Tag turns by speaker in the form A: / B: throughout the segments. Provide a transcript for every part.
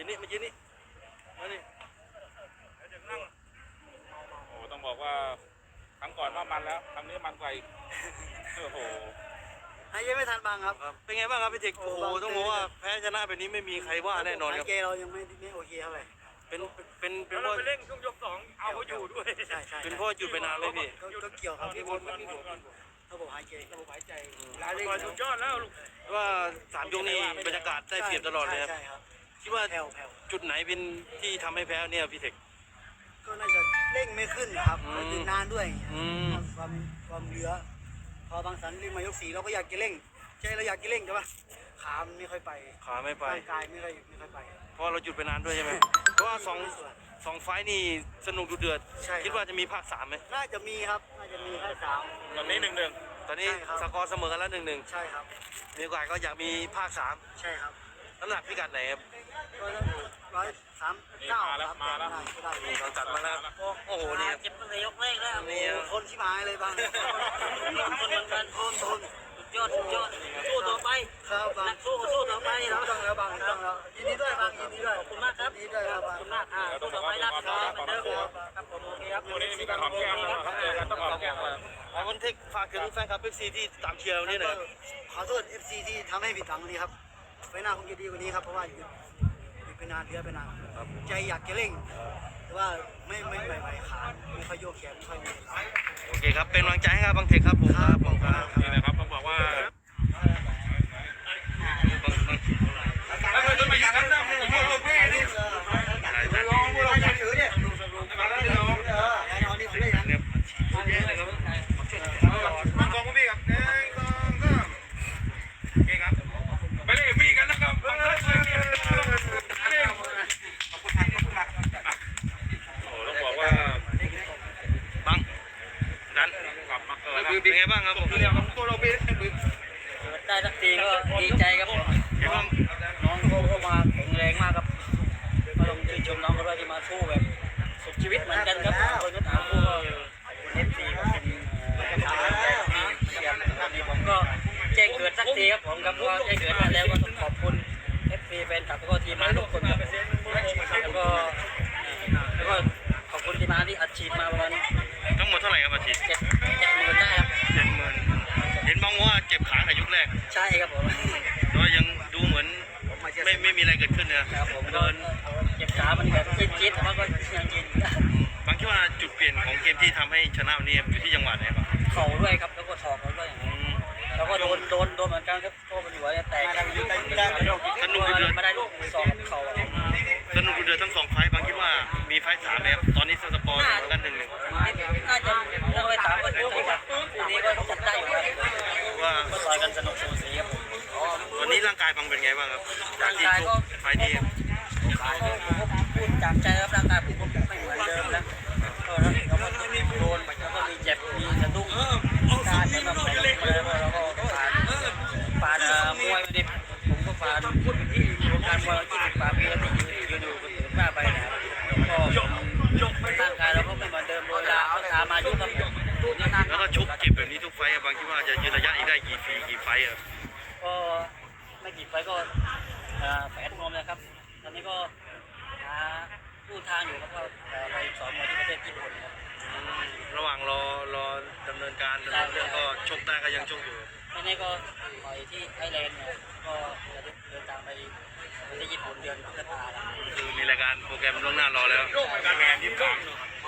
A: นี่มายืนนี่มานี่โอ้ต้องบอกว่าครั้งก่อนว่ามันแล้วครั้งนี้มันกว่าอีกโอ้โห
B: หายใจไม่ทันบางครับ
A: เป็นไงบ้างครับพี่เทคโอ้โหต้องบอกว่าแพ้ชนะแบบนี้ไม่มีใครว่าแน่นอนครับ
B: เกเรายังไม่โอเคเท่าไหร่
A: เป็น
C: เราไปเล่นช่วงยก2เอาเขาอยู่ด้วย
B: ใช่
A: เป็นเพราะหยุดไปนานเลยพี่
B: ก็เกี่ยวครับที่ผมระบบหายใจ
C: สุดยอดแล้ว
A: ว่า3 ยกนี่บรรยากาศได้เปรียบตลอดเลยครับคิดว่าจุดไหนเป็นที่ทำให้แพ้เนี่ยพี่เทค
B: ก็น่าจะเร่งไม่ขึ้นนะครับยืนนานด้วยความเหลือพอบางสันเร่งมายก4เราก็อยากจะเร่งใจเราอยากจะเร่งใช่ปะขาไม่ค่อยไป
A: ขาไม่ไป
B: ร่างกายไม่ค่อยไป
A: เพราะเราหยุดไปนานด้วยใช่ไหมเพราะว่า2 ไฟนี่สนุกดุเดือดคิดว่าจะมีภาค3ไหม
B: น่าจะมีครับน่าจะมีภาค3
A: ตอนนี้1-1ตอนนี้สกอร์เสมอกันแล้ว1-1
B: ใช่ครับ
A: มีโอกาสก็อยากมีภาค3
B: ใช่ครับ
A: น้ำหนักพิกัดไหนครับ
B: ก็139
A: แล้วมาแล้วเราจัดมาแล้วโอ้โหนี่
B: เจ็บตั้งแต่ยกแรกแล้วนี่ทนชิบหายเลยบางคนเหมือนกันทนยอดสู้ต่อไปครับนักสู้ต่อไปแล้วต้องแล้วบางต้องแล้วยินดีด้วยบางยินดีด้วยขอบคุณมากครับยินดีด้วยครับขอบคุณมากสู้ต่อไปรับครับเหมือนเดิมครับผมโอเคครับ
A: วันนี้มีการหอมแก้มนะครับต้องหอมแก้มวันเทคฝากถึงแฟนคลับ FC ที่ตามเชียร์นี่หน่อย
B: ขอโทษ FC ที่ทำให้ผิดหวังวันนี้ครับไฟหน้าคงจะดีกว่านี้ครับเพราะว่าอยู่เป็นนานเดือนเป็นนานใจอยากจะเร่งแต่ว่าไม่ไหวขาไม่ค่อยโยกแขนไม่ค่อยมี
A: โอเคครับเป็นกำลังใจให้ครับบางเทคครับผมครับนี่นะครับต้องบอกว่าเป็นไงบ้างครับผม
B: ได้สักทีก็ดีใจครับผมน้องเขามาแข็งแรงมากครับก็ต้องชื่นชมน้องเขาด้วยที่มาสู้แบบสุดชีวิตเหมือนกันครับคนก็ถามผู้FC ก็เป็นผมก็แจ้งเกิดสักทีครับผมครับก็แจ้งเกิดมาแล้วก็ต้องขอบคุณ FC แฟนคลับแล้วก็ทีมงานทุกคนครับแล้วก็ขอบคุณทีมงานที่อัดฉีดมาประมาณ
A: ทั้งหมดเท่าไหร่ครับอาชีพ
B: 70,000ได้ครับ
A: 70,000เห็นบ้างว่าเจ็บขาในยุคแรก
B: ใช่ครับผม
A: แต่ว่ายังดูเหมือนไม่มีอะไรเกิดขึ้นนะครับ
B: ผมเดินเจ็บขามันแบบจี๊ดแต่ว่าก็ยังยิน
A: บางคิดว่าจุดเปลี่ยนของเกมที่ทำให้ชนะวันนี้อยู่ที่จังหวะไหนบ้าง
B: เข่าด้วยครับแล้วก็ศอกด้วยแล้วก็โดนเหมือนกันครับโต้มันหัวแตก
A: สนุกเดือด
B: ไม่ได้ลูกศอกเข่า
A: สนุกเดือดทั้ง2 ไฟบางคิดว่ามีไฟ3แล้วตอนนี้สปอร์กัน1-1
B: น่าจะเรื่องไฟ3ก็จริงครับคู่นี้ก็จัดได้อยู่
A: ว่า
B: ต่อยกันสนุกสูสีครับ
A: วันนี้ร่างกายบางเป็นไงบ้างครับจากที่ทุกไฟนี้
B: พูดจากใจครับร่างกายผมก็ไม่เหมือนเดิมแล้วแล้วก็โดนแล้วก็มีเจ็บมีสะดุ้งการแล้วก็เราก็ผ่านมวยมาดิผมก็ผ่านการมวย20 กว่าปีแล้วที่ยืนอยู่หน้าไปนะครับก็ร่างกายเราก็ไม่เหมือนเดิมเวลาเอาตามายุบกับ
A: แล้วก็ชุบเจ็บแบบนี้ทุกไฟบางคิดว่าจะยืนระยะอีกได้กี่ไฟครับ
B: ก็ไม่กี่ไฟก็แฝงนมนะครับตอนนี้ก็หาลู่ทางอยู่ครับก็ไปสอนมวยที่ประเทศญี่ปุ่นครับ
A: ระหว่างรอดำเนินการเรื่องก็ชกได้ก็ยังชกอยู่
B: ไม่แน่ก็ต่อยที่ไอร์แลนด์เนี่ยก็จะเดินทางไปประเทศญี่ปุ่นเดือนพฤษภาคม
A: คือมีรายการโปรแกรมล่วงหน้ารอแล้วการแข่งที่3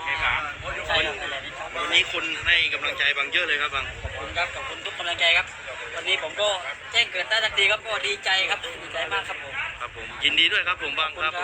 A: วันนี้คนให้กำลังใจบางเยอะเลยครับบาง
B: ขอบคุณครับขอบคุณทุกกำลังใจครับวันนี้ผมก็แจ้งเกิดได้ทันทีครับก็ดีใจครับดีใจมากครับผม
A: ยินดีด้วยครับผมบางครับ